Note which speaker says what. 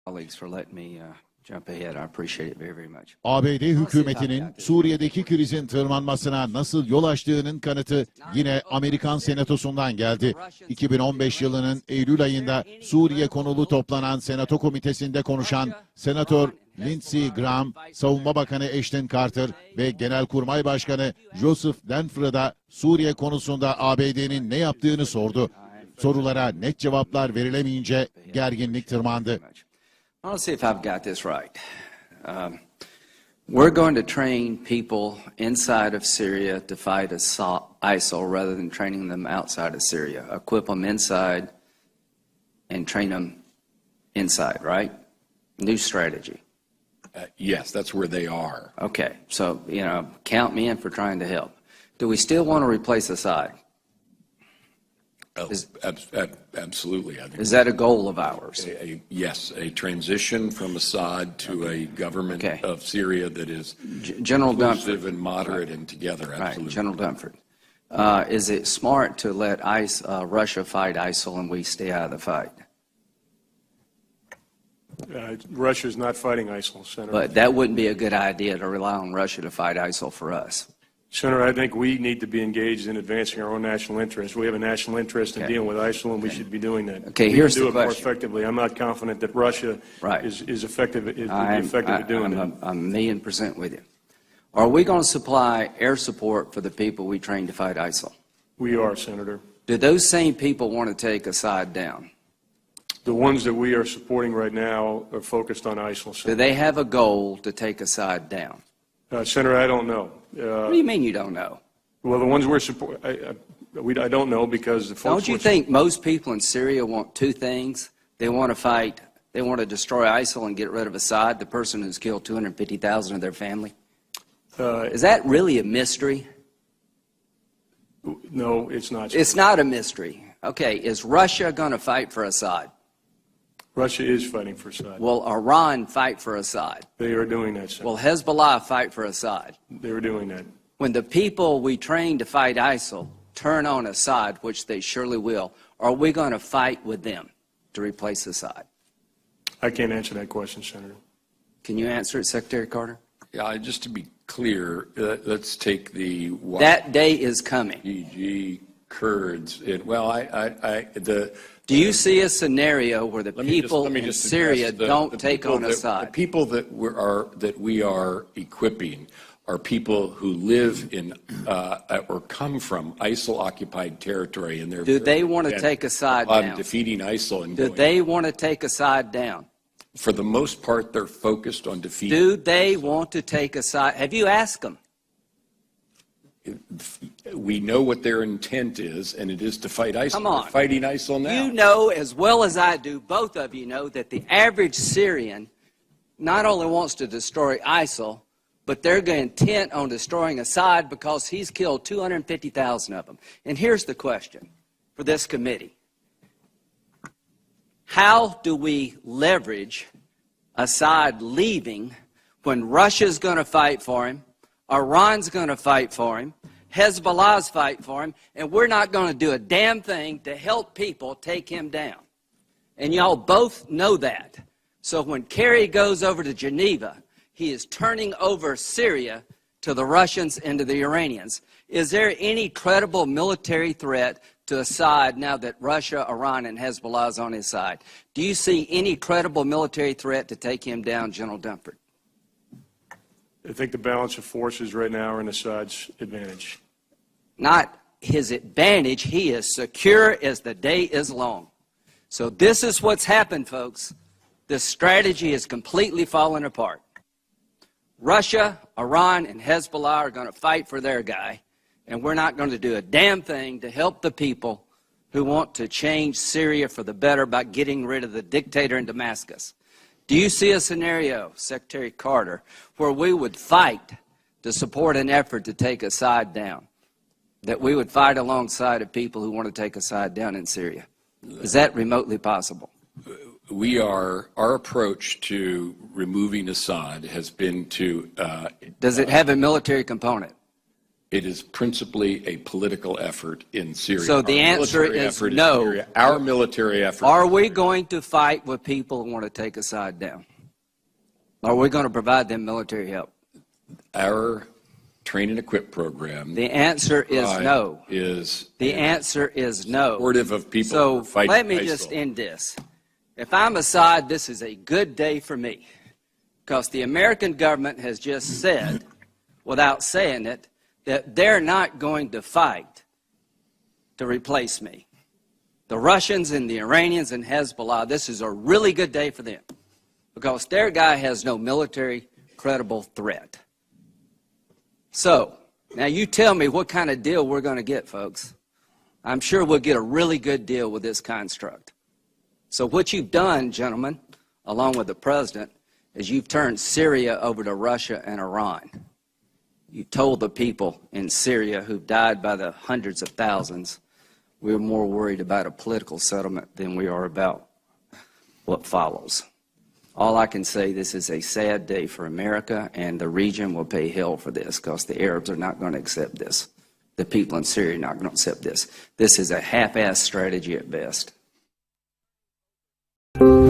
Speaker 1: colleagues for letting me jump ahead. I appreciate it very, very much.
Speaker 2: ABD hükümetinin Suriye'deki krizin tırmanmasına nasıl yol açtığının kanıtı yine Amerikan Senatosu'ndan geldi. 2015 yılının Eylül ayında Suriye konulu toplanan Senato Komitesi'nde konuşan Senatör Lindsey Graham, Savunma Bakanı Ashton Carter ve Genelkurmay Başkanı Joseph Dunford'a da Suriye konusunda ABD'nin ne yaptığını sordu. Sorulara net cevaplar verilemeyince gerginlik tırmandı.
Speaker 1: Let's see if I've got this right. We're going to train people inside of Syria to fight ISIL rather than training them outside of Syria. Equip them inside and train them inside, right? New strategy.
Speaker 3: Yes, that's where they are.
Speaker 1: Okay, so, count me in for trying to help. Do we still want to replace Assad?
Speaker 3: Absolutely. I think
Speaker 1: is that a goal of ours?
Speaker 3: Yes, a transition from Assad to a government of Syria that is
Speaker 1: General
Speaker 3: inclusive and moderate and together. Absolutely.
Speaker 1: Right, General Dunford. Is it smart to let Russia fight ISIL and we stay out of the fight?
Speaker 4: Russia is not fighting ISIL, Senator.
Speaker 1: But that wouldn't be a good idea to rely on Russia to fight ISIL for us.
Speaker 4: Senator, I think we need to be engaged in advancing our own national interest. We have a national interest in dealing with ISIL, and we should be doing that.
Speaker 1: Okay,
Speaker 4: we
Speaker 1: here's
Speaker 4: can do
Speaker 1: the
Speaker 4: it
Speaker 1: question.
Speaker 4: More effectively. I'm not confident that Russia is effective at doing that.
Speaker 1: I'm 1,000,000% with you. Are we going to supply air support for the people we train to fight ISIL?
Speaker 4: We are, Senator.
Speaker 1: Do those same people want to take Assad down?
Speaker 4: The ones that we are supporting right now are focused on ISIL. Senator.
Speaker 1: Do they have a goal to take Assad down?
Speaker 4: Senator, I don't know.
Speaker 1: What do you mean you don't know?
Speaker 4: Well, the ones we're supporting, I don't know because the folks.
Speaker 1: Don't you think most people in Syria want two things? They want to fight, they want to destroy ISIL and get rid of Assad, the person who's killed 250,000 of their family? Is that really a mystery?
Speaker 4: No, it's not.
Speaker 1: It's not a mystery. Okay, is Russia going to fight for Assad?
Speaker 4: Russia is fighting for Assad.
Speaker 1: Will Iran fight for Assad?
Speaker 4: They are doing that, Senator.
Speaker 1: Will Hezbollah fight for Assad?
Speaker 4: They are doing that.
Speaker 1: When the people we train to fight ISIL turn on Assad, which they surely will, are we going to fight with them to replace Assad?
Speaker 4: I can't answer that question, Senator.
Speaker 1: Can you answer it, Secretary Carter?
Speaker 3: Yeah, just to be clear, let's take the
Speaker 1: that day is coming.
Speaker 3: YPG Kurds.
Speaker 1: Do you see a scenario where the people in Syria don't take on Assad?
Speaker 3: The people that we are equipping are people who live in or come from ISIL-occupied territory, and they're.
Speaker 1: Do they want to take Assad down?
Speaker 3: Defeating ISIL and.
Speaker 1: Do they want to take Assad down?
Speaker 3: For the most part, they're focused on defeating.
Speaker 1: Do they want to take Assad? Have you asked them?
Speaker 3: We know what their intent is, and it is to fight ISIL.
Speaker 1: Come on.
Speaker 3: They're fighting ISIL now.
Speaker 1: You know as well as I do, both of you know, that the average Syrian not only wants to destroy ISIL, but they're intent on destroying Assad because he's killed 250,000 of them. And here's the question for this committee. How do we leverage Assad leaving when Russia's going to fight for him, Iran's going to fight for him, Hezbollah's fight for him, and we're not going to do a damn thing to help people take him down? And y'all both know that. So when Kerry goes over to Geneva, he is turning over Syria to the Russians and to the Iranians. Is there any credible military threat to Assad now that Russia, Iran, and Hezbollah is on his side? Do you see any credible military threat to take him down, General Dunford?
Speaker 4: I think the balance of forces right now are in Assad's advantage.
Speaker 1: Not his advantage. He is secure as the day is long. So this is what's happened, folks. This strategy is completely falling apart. Russia, Iran, and Hezbollah are going to fight for their guy, and we're not going to do a damn thing to help the people who want to change Syria for the better by getting rid of the dictator in Damascus. Do you see a scenario, Secretary Carter, where we would fight to support an effort to take Assad down, that we would fight alongside of people who want to take Assad down in Syria? Is that remotely possible?
Speaker 3: Our approach to removing Assad has been to.
Speaker 1: Does it have a military component?
Speaker 3: It is principally a political effort in Syria.
Speaker 1: So the
Speaker 3: Our
Speaker 1: answer
Speaker 3: military
Speaker 1: is
Speaker 3: effort in
Speaker 1: no.
Speaker 3: Syria. Our military effort.
Speaker 1: Are we going to fight with people who want to take a side down? Are we going to provide them military help?
Speaker 3: Our train and equip program.
Speaker 1: The answer is no. The answer is no.
Speaker 3: Supportive of people who
Speaker 1: So
Speaker 3: are fighting
Speaker 1: let me
Speaker 3: ISIL.
Speaker 1: just end this. If I'm Assad, this is a good day for me, because the American government has just said, without saying it, that they're not going to fight to replace me. The Russians and the Iranians and Hezbollah, this is a really good day for them, because their guy has no military credible threat. So, now you tell me what kind of deal we're going to get, folks. I'm sure we'll get a really good deal with this construct. So what you've done, gentlemen, along with the president, is you've turned Syria over to Russia and Iran. You told the people in Syria who've died by the hundreds of thousands, we're more worried about a political settlement than we are about what follows. All I can say, this is a sad day for America, and the region will pay hell for this, because the Arabs are not going to accept this. The people in Syria are not going to accept this. This is a half-assed strategy at best.